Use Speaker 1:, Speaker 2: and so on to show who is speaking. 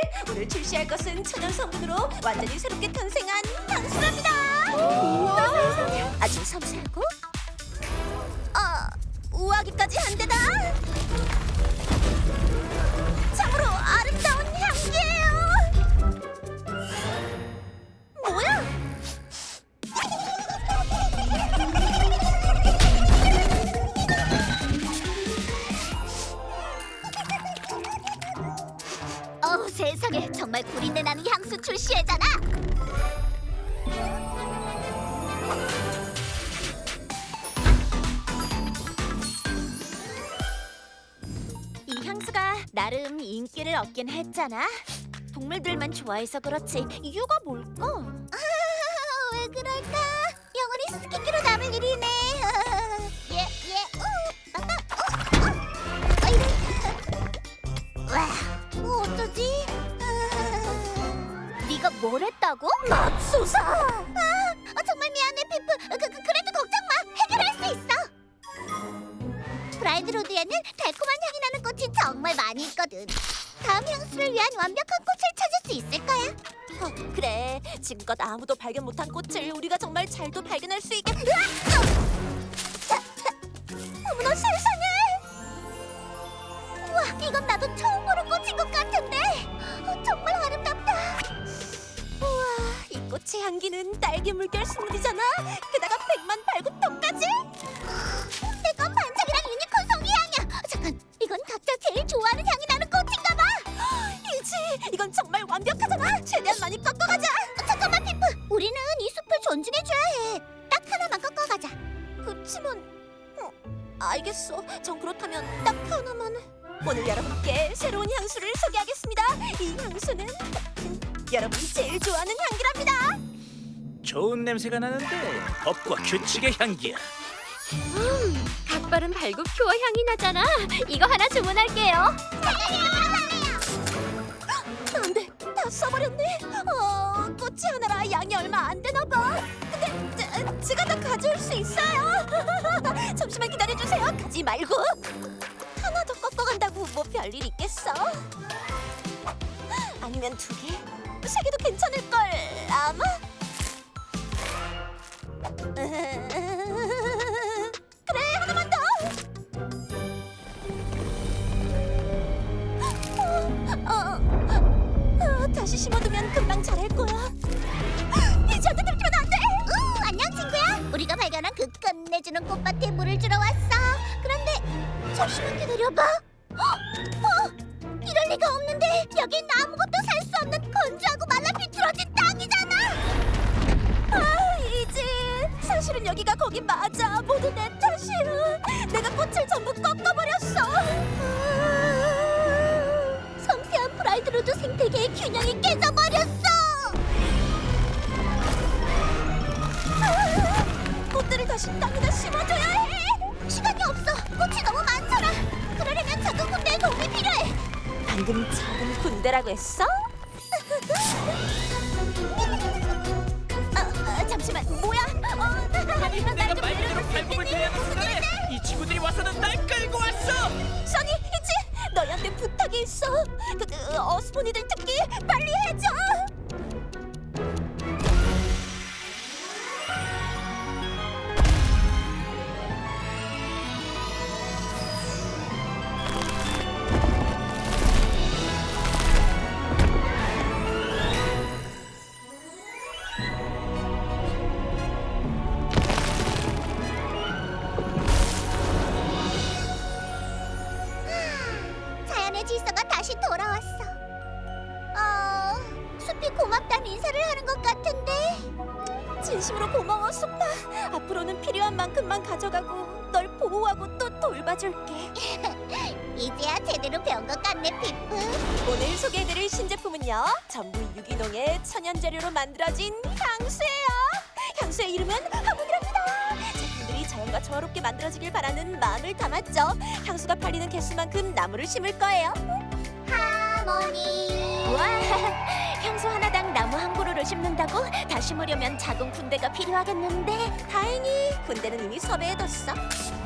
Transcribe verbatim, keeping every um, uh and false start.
Speaker 1: 오늘 출시할 것은 천연 성분으로 완전히 새롭게 탄생한 향수랍니다.
Speaker 2: 우와, 세상에.
Speaker 1: 아주 섬세하고 아, 우아하기까지 한데다 참으로 아름다운 향기예요. 뭐야?
Speaker 2: 어우, 세상에. 정말 구린내 나는 향수 출시회잖아.
Speaker 1: 이 향수가 나름 인기를 얻긴 했잖아. 동물들만 좋아해서 그렇지 이유가 뭘까?
Speaker 2: 아, 왜 그럴까? 영원히 수수께끼로 남을 일이네. 예, 예, 우, 아빠, 어, 어. 어, 이래. 와, 뭐 어쩌지? 아,
Speaker 1: 네가 뭘 했다고?
Speaker 2: 맙소사. 아, 어, 정말 미안해, 피프. 그, 그, 그래도 걱정 마. 해결할 수 있어. 브라이드 로드에는 달콤한 향이 나는 꽃이 정말 많이 있거든. 다음 향수를 위한 완벽한 꽃을 찾을 수 있을 거야.
Speaker 1: 어, 그래 지금껏 아무도 발견 못한 꽃을 우리가 정말 잘도 발견할 수 있게.
Speaker 2: 어머나 세상에! 우와, 이건 나도 처음 보는 꽃인 것 같은데. 어, 정말 아름답다.
Speaker 1: 우와, 이 꽃의 향기는 딸기 물결 스무디잖아. 게다가 백만 발굽통까지.
Speaker 2: 내건 반짝이랑 유니콘 송이 향이야. 잠깐, 이건 각자 제일 좋아하는 향이 나는 꽃인가 봐.
Speaker 1: 이지, 이건 정말 완벽하잖아. 최대한 많이 꺾어가자.
Speaker 2: 어, 잠깐만, 피프. 우리는 이 숲을 존중해줘야 해. 딱 하나만 꺾어가자.
Speaker 1: 그치만, 어, 알겠어. 전 그렇다면 딱 하나만. 오늘 여러분께 새로운 향수를 소개하겠습니다. 이 향수는 여러분이 제일 좋아하는 향기랍니다.
Speaker 3: 좋은 냄새가 나는데 법과 규칙의 향기야.
Speaker 4: 갓바른 발굽 큐어 향이 나잖아. 이거 하나 주문할게요.
Speaker 1: 안 돼, 다 써버렸네. 어, 꽃이 하나라 양이 얼마 안 되나 봐. 근데 제, 제가 다 가져올 수 있어요. 잠시만 기다려주세요. 가지 말고. 하나 더 꺾어간다고 뭐 별일 있겠어? 아니면 두 개? 세 개도 괜찮을걸, 아마? 그래, 하나만 더. 어, 어, 어, 다시 심어두면 금방 자랄 거야. 이 절대 들키면 안 돼.
Speaker 2: 우, 안녕, 친구야. 우리가 발견한 그 끝내주는 꽃밭에 물을 주러 왔어. 그런데 잠시만 기다려봐. 어, 어, 이럴 리가 없는데. 여긴 아무것도 살 수 없는 건조하고 말라 비틀어진 땅이잖아.
Speaker 1: 아, 이지. 사실은 여기가 거기 맞아. 모두 내 탓이야. 내가 꽃을 전부 꺾어버렸어.
Speaker 2: 아, 섬세한 브라이드로드 생태계의 균형이 깨져버렸어.
Speaker 1: 아, 꽃들을 다시 땅에다 심어줘야 해.
Speaker 2: 시간이 없어. 꽃이 너무 많잖아. 그러려면 작은 군대의 도움이 필요해.
Speaker 1: 방금 작은 군대라고 했어? 아, 아, 잠시만, 뭐야? 어,
Speaker 3: 내가 말대로 발굽을 대야 하는 순간에 이 친구들이 와서는 날 끌고 왔어.
Speaker 1: 써니, 이지, 너희한테 부탁이 있어. 그, 그 어스포니들 특기 빨리 해줘.
Speaker 2: 자연의 질서가 다시 돌아왔어. 어, 숲이 고맙다는 인사를 하는 것 같은데.
Speaker 1: 진심으로 고마워, 숲아. 앞으로는 필요한 만큼만 가져가고 널 보호하고 또 돌봐줄게.
Speaker 2: 이제야 제대로 배운 것 같네, 피프.
Speaker 1: 오늘 소개해드릴 신제품은요, 전부 유기농의 천연 재료로 만들어진 향수예요. 향수의 이름은 하모니랍니다. 제품들이 자연과 조화롭게 만들어지길 바라는 마음을 담았죠. 향수가 팔리는 개수만큼 나무를 심을 거예요.
Speaker 2: 하모니.
Speaker 4: 와, 향수 하나당 나무 한 그루를 심는다고? 다 심으려면 작은 군대가 필요하겠는데.
Speaker 1: 다행히 군대는 이미 섭외해뒀어.